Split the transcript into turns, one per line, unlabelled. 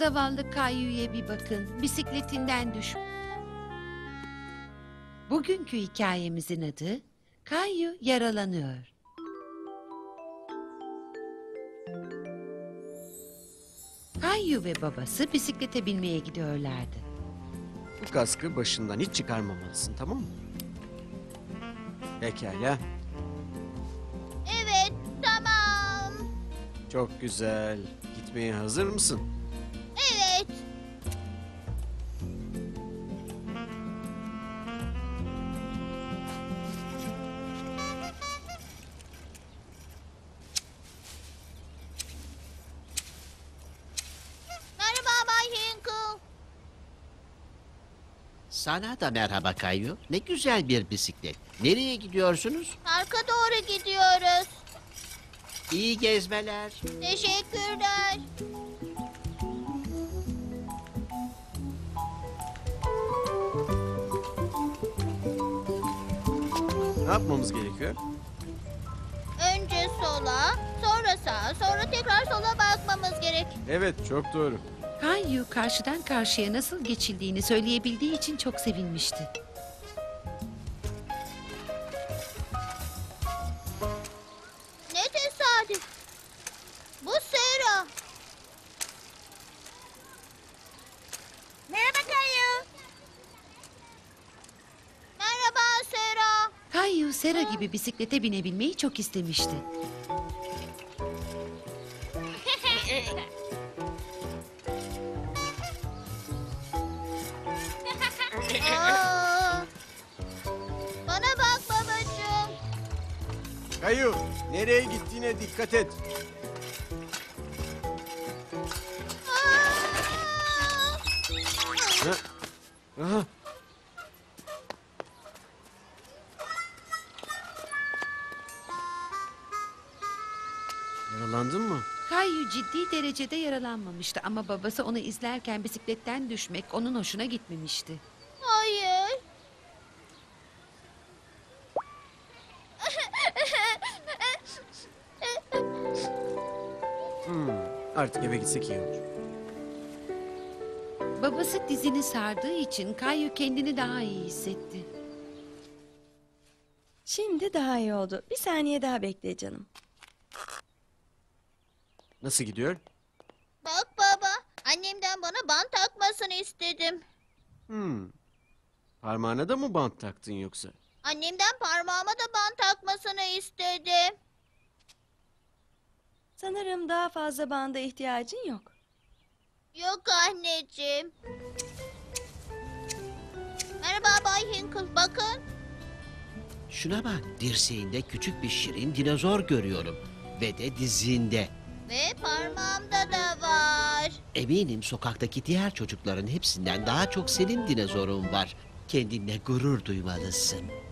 Zavallı Kayyu'ya bir bakın. Bisikletinden düş. Bugünkü hikayemizin adı Kayyu Yaralanıyor. Kayyu ve babası bisiklete binmeye gidiyorlardı.
Bu kaskı başından hiç çıkarmamalısın, tamam mı? Pekala.
Evet, tamam.
Çok güzel. Gitmeye hazır mısın?
Evet. Merhaba Bay Hinkle.
Sana da merhaba Kayu. Ne güzel bir bisiklet. Nereye gidiyorsunuz?
Parka doğru gidiyoruz.
İyi gezmeler.
Teşekkürler.
Ne yapmamız gerekiyor?
Önce sola, sonra sağa, sonra tekrar sola bakmamız gerek.
Evet, çok doğru.
Kayyu karşıdan karşıya nasıl geçildiğini söyleyebildiği için çok sevinmişti.
Ne tesadüf. Bu Sera. Merhaba Kayu. Merhaba Sera.
Kayyu Sera gibi bisiklete binebilmeyi çok istemişti.
Aa, bana bak babacığım.
Kayu, nereye gittiğine dikkat et.
Aa!
Ha? Aha. Yaralandın mı?
Kayyu ciddi derecede yaralanmamıştı ama babası onu izlerken bisikletten düşmek onun hoşuna gitmemişti.
Hayır.
Artık eve gitsek iyi olur.
Babası dizini sardığı için Kayyu kendini daha iyi hissetti.
Şimdi daha iyi oldu. Bir saniye daha bekle canım.
Nasıl gidiyor?
Bak baba, annemden bana bant takmasını istedim.
Parmağına da mı bant taktın yoksa?
Annemden parmağıma da bant takmasını istedim.
Sanırım daha fazla banda ihtiyacın yok.
Yok anneciğim. Merhaba Bay Hinkle, bakın.
Şuna bak, dirseğinde küçük bir şirin dinozor görüyorum. Ve de dizinde.
Ve parmağımda da var.
Eminim sokaktaki diğer çocukların hepsinden daha çok senin dinozorun var. Kendinle gurur duymalısın.